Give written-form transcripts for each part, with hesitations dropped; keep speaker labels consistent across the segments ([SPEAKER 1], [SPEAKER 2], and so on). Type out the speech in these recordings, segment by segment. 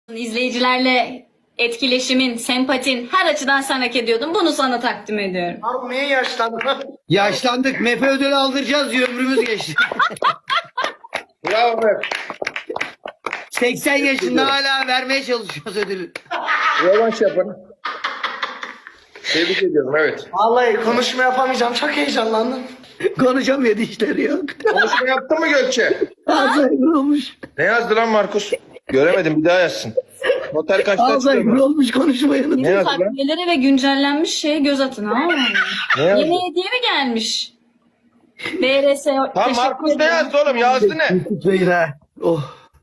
[SPEAKER 1] İzleyicilerle etkileşimin, sempatin her açıdan sen hak ediyordun. Bunu sana takdim ediyorum.
[SPEAKER 2] Abi niye yaşlandın?
[SPEAKER 3] Yaşlandık. Mefe ödülü aldıracağız diye ömrümüz geçti.
[SPEAKER 4] Bravo Mef.
[SPEAKER 3] 80 yaşında hala vermeye çalışıyoruz ödülü.
[SPEAKER 4] Rövanş yapın. Tebrik ediyorum, evet.
[SPEAKER 2] Vallahi konuşma yapamayacağım. Çok heyecanlandım.
[SPEAKER 3] Konuşamıyor, dişleri yok.
[SPEAKER 4] Konuşma yaptın mı Gökçe?
[SPEAKER 3] Alzheimer olmuş.
[SPEAKER 4] Ne yazdı lan Markus? Göremedim, bir daha yazsın. Noter kaçta
[SPEAKER 3] Alzheimer
[SPEAKER 4] çıkıyor?
[SPEAKER 3] olmuş, konuşmayı
[SPEAKER 4] Ne yazdı lan?
[SPEAKER 1] Takviyelere ve güncellenmiş şeye göz atın ha.
[SPEAKER 4] Ne yazdı?
[SPEAKER 1] Yeni hediye mi gelmiş? BRS
[SPEAKER 4] Tam
[SPEAKER 1] teşekkür
[SPEAKER 4] Markus ne
[SPEAKER 1] ederim.
[SPEAKER 4] yazdı oğlum? Yazdı ne?
[SPEAKER 3] Tutmayın ha. Oh.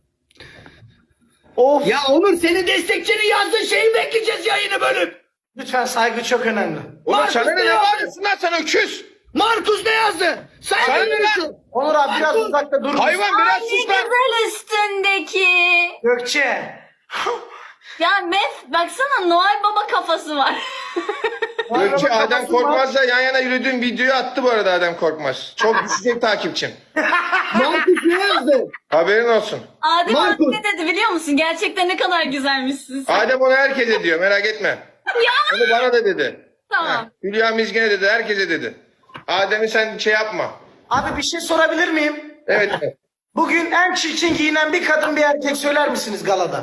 [SPEAKER 2] Of.
[SPEAKER 3] Ya Onur, senin destekçinin yazdığı şeyi bekleyeceğiz yayını bölüp.
[SPEAKER 2] Lütfen, saygı çok önemli.
[SPEAKER 4] Oğlum
[SPEAKER 3] Markus
[SPEAKER 4] sana
[SPEAKER 3] ne
[SPEAKER 4] ne
[SPEAKER 3] yazdı?
[SPEAKER 4] bağırıyorsun lan, sen öküz?
[SPEAKER 3] Markus ne yazdı? Sen
[SPEAKER 4] Sana
[SPEAKER 3] ne
[SPEAKER 4] ne lan?
[SPEAKER 3] diyorsun?
[SPEAKER 2] Onur abi biraz uzakta dur.
[SPEAKER 4] Hayvan biraz
[SPEAKER 1] Ne
[SPEAKER 4] sus lan.
[SPEAKER 1] güzel üstündeki.
[SPEAKER 2] Gökçe.
[SPEAKER 1] Ya Mef baksana Noel Baba kafası var.
[SPEAKER 4] Gökçe
[SPEAKER 2] Kafası
[SPEAKER 4] Adem
[SPEAKER 2] var.
[SPEAKER 4] Korkmaz'la yan yana yürüdüğüm videoyu attı bu arada Adem Korkmaz. Çok düşecek takipçim.
[SPEAKER 3] Markus ne yazdı?
[SPEAKER 4] Haberin olsun.
[SPEAKER 1] Adem abi
[SPEAKER 3] Markus.
[SPEAKER 1] ne dedi biliyor musun? Gerçekten ne kadar güzelmişsin sen.
[SPEAKER 4] Adem onu herkese diyor, merak etme. Onu bana da dedi.
[SPEAKER 1] Tamam.
[SPEAKER 4] Heh, Hülya Mizgin'e dedi, herkese dedi. Adem'i sen şey yapma.
[SPEAKER 2] Abi bir şey sorabilir miyim?
[SPEAKER 4] Evet.
[SPEAKER 2] Bugün en çirkin giyinen bir kadın bir erkek söyler misiniz galada?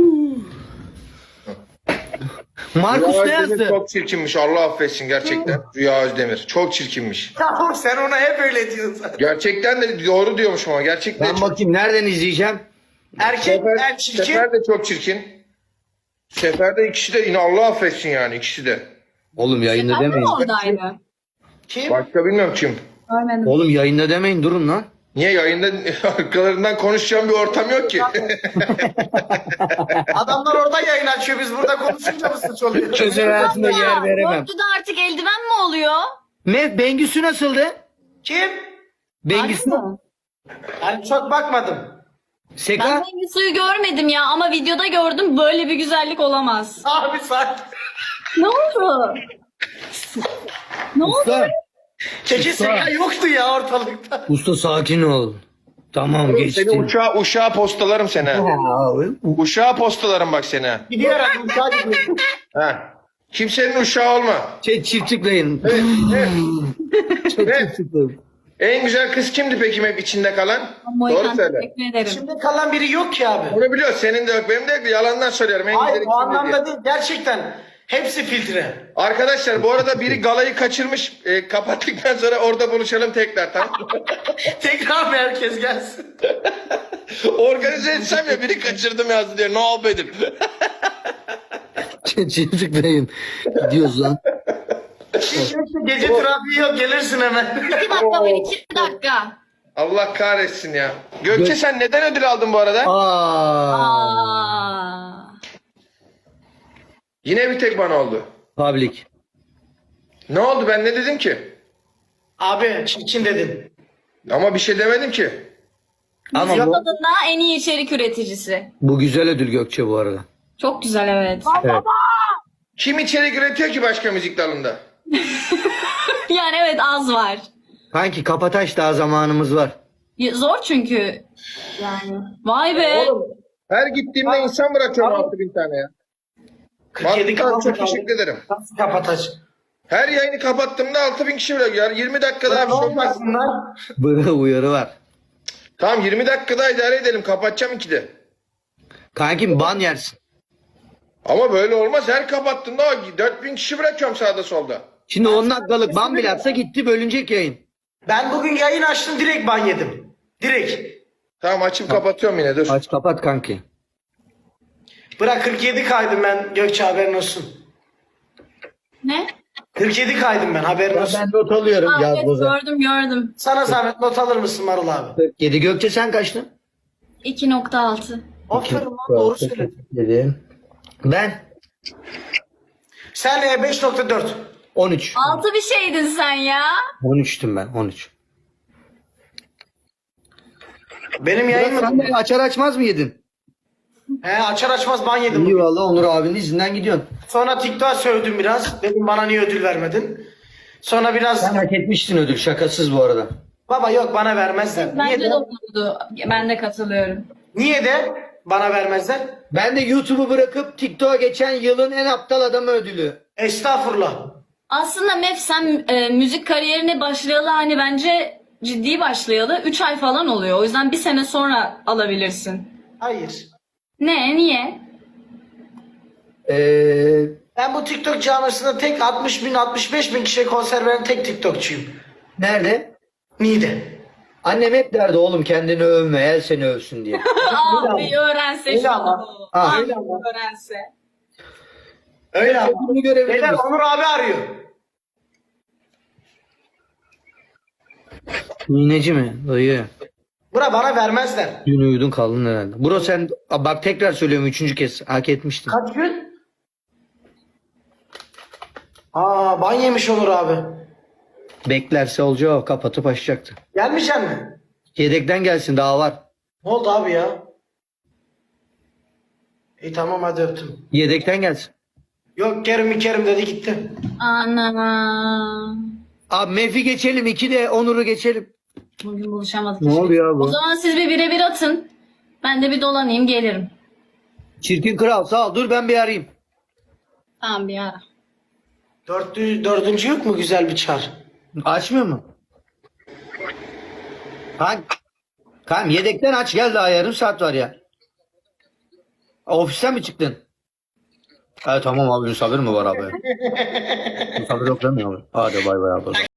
[SPEAKER 3] Markus
[SPEAKER 4] Rüya
[SPEAKER 3] ne
[SPEAKER 4] Özdemir
[SPEAKER 3] yazdı?
[SPEAKER 4] çok çirkinmiş, Allah affetsin gerçekten. Rüya Özdemir çok çirkinmiş.
[SPEAKER 2] Tamam, sen ona hep öyle diyorsun.
[SPEAKER 4] Gerçekten de doğru diyormuş ama gerçekten
[SPEAKER 3] Ben bakayım nereden izleyeceğim?
[SPEAKER 2] Erkek en çirkin.
[SPEAKER 4] Sefer de çok çirkin. Sefer de ikisi de yine Allah affetsin yani ikisi de.
[SPEAKER 3] Oğlum yayında
[SPEAKER 1] Ben de
[SPEAKER 3] demeyin.
[SPEAKER 1] mi oradaydı?
[SPEAKER 2] Kim?
[SPEAKER 4] Başka bilmiyorum kim.
[SPEAKER 1] Görmedim.
[SPEAKER 3] Oğlum yayında demeyin, durun lan.
[SPEAKER 4] Niye yayında arkalarından konuşacağım bir ortam yok ki.
[SPEAKER 2] Adamlar orada yayın açıyor. Biz burada konuşunca mı suç oluyor?
[SPEAKER 3] Özel hayatımda yer veremem.
[SPEAKER 1] Borcu'da artık eldiven mi oluyor?
[SPEAKER 3] Mev, Bengüsü nasıldı?
[SPEAKER 2] Kim?
[SPEAKER 3] Bengüsü.
[SPEAKER 1] Harbi mi?
[SPEAKER 2] Yani çok bakmadım.
[SPEAKER 1] Ben
[SPEAKER 3] Seka.
[SPEAKER 1] rengi suyu görmedim ya ama videoda gördüm, böyle bir güzellik olamaz.
[SPEAKER 2] Abi sakin.
[SPEAKER 1] Ne oldu? Ne oldu?
[SPEAKER 3] Usta.
[SPEAKER 2] Keke Seka yoktu ya ortalıkta.
[SPEAKER 3] Usta sakin ol. Tamam
[SPEAKER 4] Seni
[SPEAKER 3] geçtim.
[SPEAKER 4] uşağa postalarım seni. ha. Uşağa postalarım bak seni. ha.
[SPEAKER 2] Gidiyor herhalde uçağa gidiyor.
[SPEAKER 4] Ha. Kimsenin uşağı olma.
[SPEAKER 3] Çift tıklayın.
[SPEAKER 4] Evet.
[SPEAKER 3] Çift tıklayın.
[SPEAKER 4] En güzel kız kimdi peki hep içinde kalan?
[SPEAKER 1] Moykan,
[SPEAKER 4] Doğru söyle.
[SPEAKER 1] teşekkür ederim.
[SPEAKER 2] Şimdi kalan biri yok ki abi.
[SPEAKER 4] Onu biliyor. Senin de yok, benim de yok. Yalandan söylüyorum. En
[SPEAKER 2] Hayır
[SPEAKER 4] güzeli
[SPEAKER 2] o
[SPEAKER 4] kimdi diye.
[SPEAKER 2] anlamda değil. Gerçekten hepsi filtre.
[SPEAKER 4] Arkadaşlar bu arada biri galayı kaçırmış. Kapattıktan sonra orada buluşalım tekrar, tamam mı?
[SPEAKER 2] Tekrar bir herkes gelsin.
[SPEAKER 4] Organize etsem ya, biri kaçırdım yazdı diye. Ne yapayım?
[SPEAKER 3] Çift tıklayın. Gidiyoruz lan.
[SPEAKER 2] Gece trafiği yok, gelirsin hemen.
[SPEAKER 1] 2 dakika var, 2 dakika.
[SPEAKER 4] Allah kahretsin ya. Gökçe sen neden ödül aldın bu arada?
[SPEAKER 1] Aa.
[SPEAKER 4] Yine bir tek bana oldu.
[SPEAKER 3] Public.
[SPEAKER 4] Ne oldu, ben ne dedim ki?
[SPEAKER 2] Abi çirkin dedin.
[SPEAKER 4] Ama bir şey demedim ki.
[SPEAKER 3] Ama
[SPEAKER 1] Bizim
[SPEAKER 3] bu,
[SPEAKER 1] adında en iyi içerik üreticisi.
[SPEAKER 3] bu güzel ödül Gökçe bu arada.
[SPEAKER 1] Çok güzel, evet.
[SPEAKER 3] Evet.
[SPEAKER 4] Kim içerik üretiyor ki başka müzik dalında?
[SPEAKER 1] Yani evet, az var.
[SPEAKER 3] Kanki Kapataş, daha zamanımız var.
[SPEAKER 1] Zor çünkü. Yani. Vay be.
[SPEAKER 4] Oğlum her gittiğimde insan bırakıyorum 6000 tane ya.
[SPEAKER 2] 47
[SPEAKER 4] Vallahi
[SPEAKER 2] kaldı.
[SPEAKER 4] çok teşekkür ederim.
[SPEAKER 2] Nasıl kapatacak?
[SPEAKER 4] Her yayını kapattığımda 6000 kişi bırakıyor. 20 dakika daha bir
[SPEAKER 2] Ne
[SPEAKER 4] şey olmaz.
[SPEAKER 2] olmasınlar?
[SPEAKER 3] Böyle uyarı var.
[SPEAKER 4] Tamam 20 dakika daha idare edelim. Kapatacağım 2'de.
[SPEAKER 3] Kankim ban yersin.
[SPEAKER 4] Ama böyle olmaz. Her kapattığımda 4000 kişi bırakıyorum sağda solda.
[SPEAKER 3] Şimdi 10 dakikalık ban bile atsa gitti, bölünecek yayın.
[SPEAKER 2] Ben bugün yayın açtım, direkt ban yedim. Direkt.
[SPEAKER 4] Tamam açıp kapatıyorum yine, dur.
[SPEAKER 3] Aç kapat kanki.
[SPEAKER 2] Bırak 47 kaydım ben, Gökçe haberin olsun.
[SPEAKER 1] Ne?
[SPEAKER 2] 47 kaydım ben, haberin olsun.
[SPEAKER 3] Ben not alıyorum
[SPEAKER 1] Aa,
[SPEAKER 3] yaz
[SPEAKER 1] evet,
[SPEAKER 3] boza.
[SPEAKER 1] gördüm.
[SPEAKER 2] Sana zahmet not alır mısın Marul abi?
[SPEAKER 3] 47. Gökçe sen kaçtın?
[SPEAKER 1] 2.6.
[SPEAKER 2] Aferin lan, doğru söyledin.
[SPEAKER 3] 47. Ben
[SPEAKER 2] Sen 5.4.
[SPEAKER 3] 13.
[SPEAKER 1] 6 bir şeydin sen ya.
[SPEAKER 3] 13'tüm ben, 13.
[SPEAKER 2] Benim yayın
[SPEAKER 3] Sen
[SPEAKER 2] mı?
[SPEAKER 3] de açar açmaz mı yedin?
[SPEAKER 2] He, açar açmaz ban yedim.
[SPEAKER 3] İyi valla, Onur abinin izinden gidiyorsun.
[SPEAKER 2] Sonra TikTok'a sövdüm biraz. Dedim bana niye ödül vermedin? Sonra biraz
[SPEAKER 3] Sen hak etmiştin ödül, şakasız bu arada.
[SPEAKER 2] baba yok bana vermezler. Niye
[SPEAKER 1] Bence
[SPEAKER 2] de?
[SPEAKER 1] de olurdu. Ben de katılıyorum.
[SPEAKER 2] Niye de? bana vermezler?
[SPEAKER 3] Ben de YouTube'u bırakıp TikTok'a geçen yılın en aptal adamı ödülü.
[SPEAKER 2] Estağfurullah.
[SPEAKER 1] Aslında Mef sen müzik kariyerine başlayalı hani bence ciddi başlayalı 3 ay falan oluyor. O yüzden bir sene sonra alabilirsin.
[SPEAKER 2] Hayır.
[SPEAKER 1] Ne? Niye?
[SPEAKER 2] Ben bu TikTok camiasında tek 60 bin 65 bin kişiye konser veren tek TikTokçuyum.
[SPEAKER 3] Nerede?
[SPEAKER 2] Niğde.
[SPEAKER 3] Annem hep derdi oğlum kendini övme, el seni övsün diye.
[SPEAKER 1] Abi öğrense
[SPEAKER 2] Öyle
[SPEAKER 1] şunu.
[SPEAKER 2] ama.
[SPEAKER 3] Ah.
[SPEAKER 1] Abi öğrense.
[SPEAKER 2] Öyle ama.
[SPEAKER 3] Bunu görebilir
[SPEAKER 2] Beyler
[SPEAKER 3] misin?
[SPEAKER 2] Onur abi arıyor.
[SPEAKER 3] İğneci mi? Dayı.
[SPEAKER 2] Bura bana vermezler.
[SPEAKER 3] Dün uyudun kaldın herhalde. Bro sen bak tekrar söylüyorum 3. kez hak etmiştin.
[SPEAKER 2] Kaç gün? Ban yemiş Onur abi.
[SPEAKER 3] Beklerse olacağı o, kapatıp açacaktı.
[SPEAKER 2] Gelmeyecek mi?
[SPEAKER 3] Yedekten gelsin daha var.
[SPEAKER 2] Ne oldu abi ya? İyi tamam hadi öptüm.
[SPEAKER 3] Yedekten gelsin.
[SPEAKER 2] Yok Kerim dedi gitti.
[SPEAKER 1] Ana.
[SPEAKER 3] Abi Mef'i geçelim 2 de Onur'u geçelim.
[SPEAKER 1] Bugün buluşamadık.
[SPEAKER 3] Ne
[SPEAKER 1] işte.
[SPEAKER 3] oluyor bu?
[SPEAKER 1] O zaman siz bir birebir atın. Ben de bir dolanayım gelirim.
[SPEAKER 3] Çirkin kral sağ ol dur ben bir arayayım.
[SPEAKER 1] Tamam bir ara.
[SPEAKER 2] Dördüncü yok mu güzel bir çar?
[SPEAKER 3] Açmıyor mu? Kanka yedekten aç gel daha yarım saat var ya. Ofisten mi çıktın? Evet tamam abi misafir mi var abi? Misafir yok değil mi abi? Hadi bay bay abi.